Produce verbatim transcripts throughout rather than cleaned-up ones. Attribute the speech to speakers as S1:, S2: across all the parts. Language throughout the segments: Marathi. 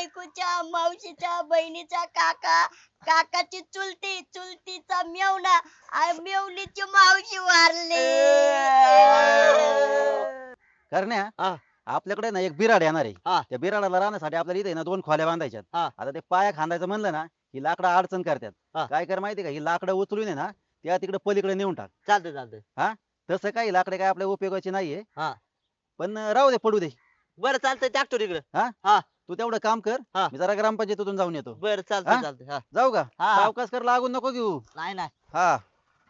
S1: बायकोच्या मावशीच्या बहिणीचा काका, काकाची चुलती, चुलतीचा मेवणा आणि मेवणीची मावशी वारली.
S2: करण्या
S3: हा.
S2: आपल्याकडे ना एक बिराड येणार आहे.
S3: हा.
S2: त्या बिराडाला राहण्यासाठी आपल्याला इथे ना दोन खोल्या बांधायच्यात.
S3: हा.
S2: आता ते पाया खांदायचं म्हणलं ना ही लाकडं अडचण करतात.
S3: हा.
S2: काय कर माहिती का ही लाकडं उचलून आहे ना त्या तिकडे पलीकडे नेऊन टाक.
S3: चालतंय चालतंय.
S2: तसं काही लाकडे काय आपल्या उपयोगाची नाहीये.
S3: हा.
S2: पण राहू दे पडू दे.
S3: बरं चालतंय टाकतो तिकडे.
S2: तू तेवढं काम कर.
S3: हा.
S2: मी जरा ग्रामपंचायतीतून जाऊन येतो.
S3: बरं
S2: हा?
S3: चालतंय चालतंय. हा.
S2: जाऊ का?
S3: हा.
S2: सावकाश कर लागून नको घेऊ.
S3: नाही नाही.
S2: हा.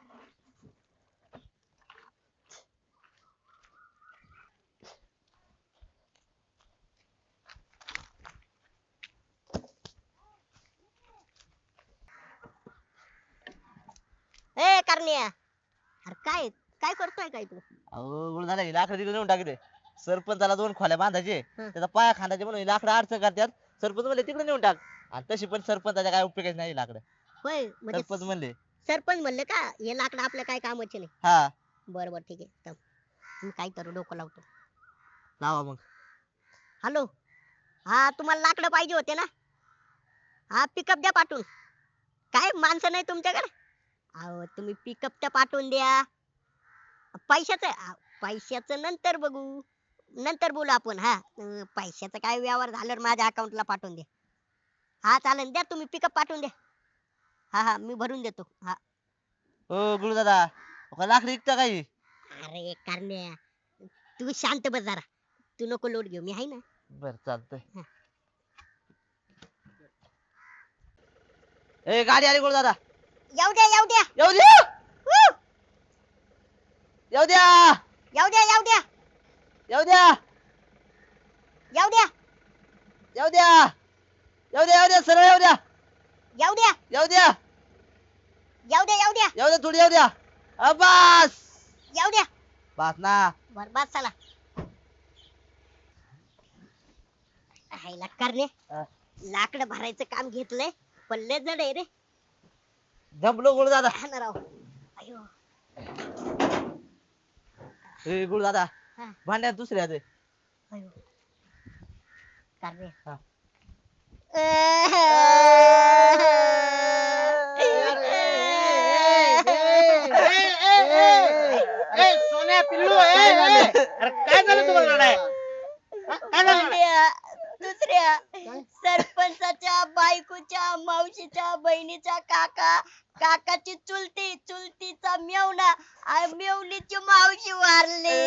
S1: ए करण्या, अरे काय काय करतोय काय तू?
S3: अहो गुळ झाला लाकडं तिकडे नेऊन टाकले. सरपंचाला दोन खोल्या बांधायचे
S1: हं.
S3: त्याचा पाया खांदायचे म्हणून लाकडं अडचण करतात. सरपंच म्हणले तिकडे नेऊन टाक. आणि तशी पण सरपंचाच्या काय उपयोगाची नाही लाकडं.
S1: होय म्हणजे
S3: सरपंच म्हणले.
S1: सरपंच म्हणले का हे लाकडं आपल्या काय कामाचे नाही?
S3: हा.
S1: बरं बरं ठीक आहे थांब. मी काय करू डोकं लावतो.
S3: लावा मग.
S1: हॅलो, हा तुम्हाला लाकडं पाहिजे होते ना? हा पिकअप द्या पाठवून. काय माणसं नाही तुमच्याकडे? अहो तुम्ही पिकअप तर पाठवून द्या. पैशाचं आ, पैशाचं नंतर बघू, नंतर बोलू आपण. हा अं, पैशाचं काय व्यवहार झाल्यावर माझ्या अकाउंटला पाठवून द्या. हा चालेल, द्या तुम्ही पिकअप पाठवून द्या. हा हा मी भरून देतो. हा.
S3: हो गुळ दादा लाकडं विकता काही.
S1: अरे करण्या, तू शांत बस जरा. तू नको लोट घेऊ, मी आहे ना.
S3: बर चालतंय.
S1: हा.
S3: ए गाडी आली गुळ दादा.
S1: येऊ द्या येऊ द्या
S3: येऊ द्या.
S1: वू!
S3: येऊ द्या.
S1: येऊ द्या येऊ द्या
S3: येऊ द्या.
S1: येऊ द्या
S3: येऊ द्या. येऊ द्या येऊ द्या सरळ येऊ द्या.
S1: येऊ द्या
S3: येऊ द्या.
S1: येऊ द्या येऊ द्या
S3: येऊ द्या थोडी येऊ द्या. अब्बास.
S1: येऊ द्या.
S3: बास ना.
S1: बरबाद चला. हायला करणे,
S3: हा.
S1: लाकडं भरायचं काम घेतलंय पण लय जड आहे रे.
S3: जमलो गुळ दादा.
S1: हा ना राव. अयो.
S3: ए गुळ दादा
S1: हा.
S3: भांड्यात दुसऱ्या दे.
S1: अयो. करणे.
S3: हा.
S4: सोन्या पिल्लू अरे काय झालं तुम्हाला रडाय? काय झालं?
S1: दुसऱ्या दुसऱ्या सरपंचाच्या बायकोच्या मावशीच्या बहिणीचा काका, काकाची चुलती, चुलतीचा मेवणा आणि मेवणीची मावशी वारली.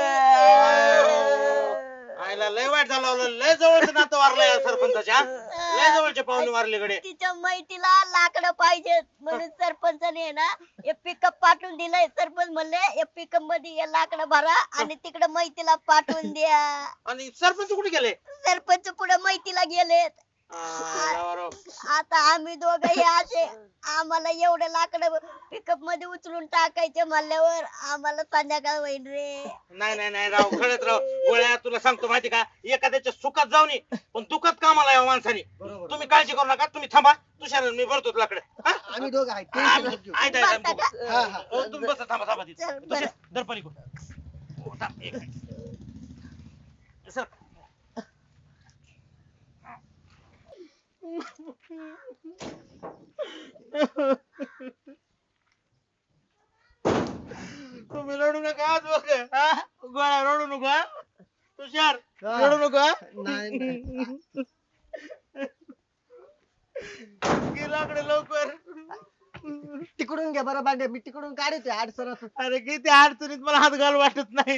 S4: आईला लय वाईट झालं. लय जवळचं नातं वारलंय या सरपंचाच्या. लय जवळचे पाहुणे वारले कडे.
S1: तिच्या मैतीला लाकडं पाहिजेत म्हणून सरपंचाने ना हे पिकअप पाठवून दिलंय. सरपंच म्हणले हे पिकअप मध्ये हे लाकडं भरा आणि तिकडे मैतीला पाठवून द्या.
S4: आणि सरपंच कुठे गेले?
S1: सरपंच पुढे मैतीला गेलेत.
S4: आईला राव.
S1: आता आम्ही दोघं हे असे आम्हाला एवढे लाकडं पिकअप मध्ये उचलून टाकायचे म्हणल्यावर आम्हाला संध्याकाळ होईल रे.
S4: नाही नाही नाही राव खरंच राव. गोळ्या तुला सांगतो माहिती का एखाद्याच्या सुखात जाऊ नये पण दुखात कामाला यावं माणसाने. तुम्ही काळजी करू नका. तुम्ही थांबा. तुषार मी भरतो लाकडं.
S5: आम्ही दोघं आहे
S4: आम्ही-
S5: टेन्शन घेऊ.
S4: आहे, आहे, आहे,
S1: बरं का?
S5: हा, हा.
S4: हो, तुम्ही बसा थांबा थांबा तिथे.
S1: चल, बरं.
S4: तुषार, धर पलीकडून. हो, थांब, एक मिनिट. सर. तुम्ही रडू नका आज बघ. हा? गोळ्या रडू नका. तुषार
S5: हा.
S4: रडू नका.
S5: नाही, नाही.
S4: घे लाकडं लवकर.
S5: तिकडून घ्या बरं भांडे मी तिकडून काढते अडचण
S4: अरे किती अडचणीत मला हात घाल वाटत नाही.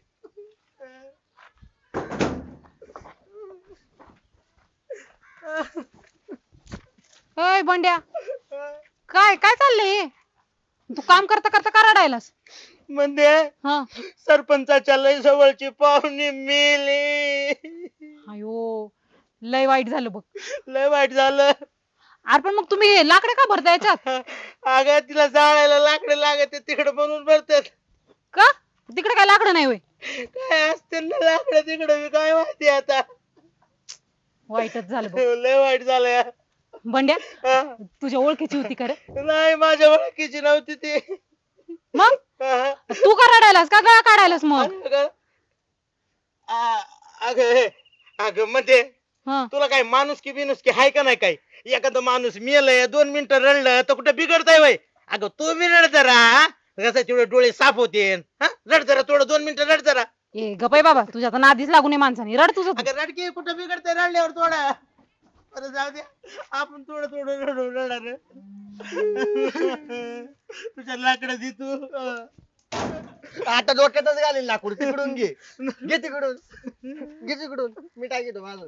S6: अय बंड्या, काय काय चाललंय हे? तू काम करता करता का रडायलास?
S4: म्हणजे
S6: हा.
S4: सरपंचाच्या लय जवळची पाहुणी मेली.
S6: अयो, लय वाईट झालं बघ.
S4: लय वाईट झालं.
S6: अरे पण मग तुम्ही हे लाकडं का भरता याच्यात?
S4: अगं तिला जाळायला लाकडं लागत तिकडे म्हणून भरतात.
S6: का तिकडे काय लाकडं नाही होय?
S4: काय असते ना लाकडं तिकडे मी काय माहिती आता.
S6: वाईटच झालं बघ.
S4: लय वाईट झालंय.
S6: बंड्या,
S4: हा.
S6: तुझ्या ओळखीची होती खरं?
S4: नाही माझ्या ओळखीची नव्हती ती.
S6: मग
S4: हा.
S6: तू का रडायलास का गळा काढायलास मग?
S4: अगं आ- अगं हे, अगं म्हणजे
S6: हा.
S4: तुला काय माणूस की बिनुस की हाय का नाही काय? एखादा माणूस मेलय दोन मिनिटं रडलं तर कुठं बिघडतंय वय? अगं तू बी रड जरा हा? कसं तेवढे डोळे साफ होते रड जरा थोडं दोन मिनिटं रड जरा.
S6: ए गपाई बाबा तुझ्या तर नादीच लागू नये माणसाने रड तुझं तू.
S4: अगं रडकी कुठं बिघडतंय रडल्यावर थोडं. बरं जाऊ दे आपण थोडं थोडं रडू रडणार. तुझ्या लाकडं दे तू.
S5: आता डोक्यातच घालील लाकूड तिकडून घे घे तिकडून घे तिकडून मी टाकीतो माझं.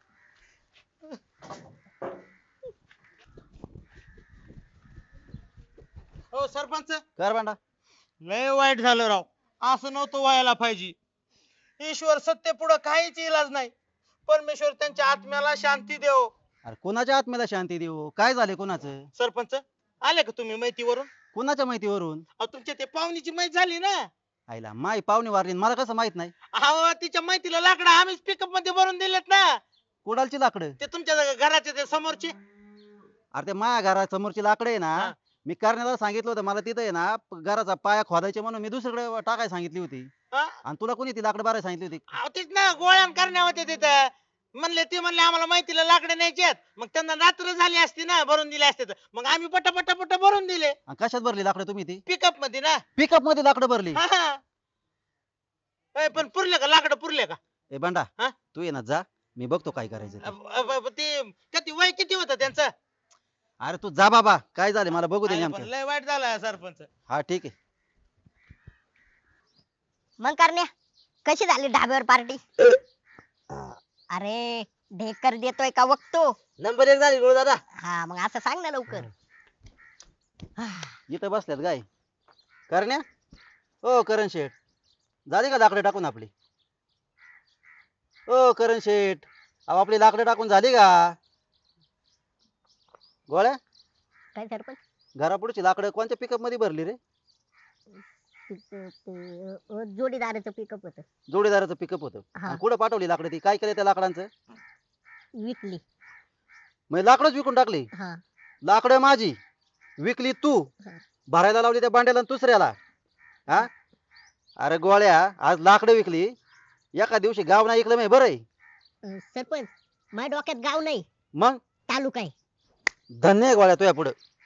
S4: हो सरपंच
S2: कर बांडा.
S4: लय वाईट झालं राव. असं नव्हतं व्हायला पाहिजे. ईश्वर सत्य पुढं काहीच इलाज नाही. परमेश्वर त्यांच्या आत्म्याला शांती देव.
S2: अरे कोणाच्या आत्म्याला शांती देऊ? काय झाले कोणाचं?
S4: सरपंच आले का तुम्ही माहितीवरून?
S2: कोणाच्या माहितीवरून?
S4: अहो तुमच्या ते पाहुणीची माहिती झाली ना.
S2: आईला माई पाहुणे वारली आणि मला कसं माहित नाही?
S4: अहो तिच्या माहितीला लाकडं आम्हीच पिकअप मध्ये भरून दिलेत ना.
S2: कुडालची लाकडं?
S4: ते तुमच्या घराच्या ते समोरची.
S2: अरे ते माझ्या घरासमोरची लाकडं आहे
S4: हा.
S2: ना, मी करण्याला सांगितलं होतं मला तिथं आहे ना प- घराचा पाया खोदायचे म्हणून मी दुसरीकडे टाकायला सांगितली होती.
S4: हा?
S2: आणि तुला कोणी ती लाकडं बारायला सांगितली होती?
S4: अहो तेच ना गोळ्यान करण्या होते तिथं. म्हणले ते म्हणले आम्हाला माहितीला लाकडं न्यायचे आहेत. मग त्यांना रात्र झाली असती ना भरून दिले असते तर. मग आम्ही पटा पटा पटा भरून दिले
S2: आणि कशात भरली लाकडं तुम्ही ती?
S4: पिकअप मध्ये ना.
S2: पिकअप मध्ये लाकडं भरली?
S4: हा, हा. ए, पण पुरले का लाकडं पुरले का?
S2: ए बंडा
S4: हा?
S2: तू ये ना जा, मी बघतो काय करायचं ते.
S4: अ- अ- अ- ते किती वय किती होतं त्यांचं?
S2: अरे तू जा बाबा, काय झाले मला बघू दे
S4: अरे पण
S2: नेमकं.
S4: लय वाईट झालं सरपंच.
S2: हा ठीक आहे.
S1: मग करण्या कशी झाली ढाब्यावर पार्टी? अरे ढेकर देतोय का बघतो.
S3: नंबर एक झाली गुरु दादा.
S1: हा मग असं सांग ना लवकर.
S2: इथं बसल्यात गाय करण्या. ओ करण शेठ, झाली का लाकडं टाकून आपली? ओ करण शेठ, अहो आपली लाकडं टाकून झाली का? गोळ्या,
S1: काय सरपंच?
S2: घरापुढची लाकडं कोणत्या पिकअप मध्ये भरली रे?
S1: ते- ते, अ, जोडीदाराचं पिकअप होत
S2: जोडीदाराचं पिकअप होतं.
S1: हा.
S2: आणि कुठं पाठवली लाकडं ती? काय केलं त्या लाकडांचं?
S1: विकली.
S2: मग लाकडच विकून टाकली?
S1: हा
S2: लाकडं माझी विकली तू,
S1: हा.
S2: भरायला लावली त्या बांड्याला आणि दुसऱ्याला. हा अरे गोळ्या, आज लाकडं विकली, एका दिवशी गाव नाही ऐकलं मी बरं आहे.
S1: अ, सरपंच माझ्या डोक्यात गाव नाही
S2: मग
S1: तालुका आहे.
S2: धन्य आहे गोळ्या तुझ्या पुढं.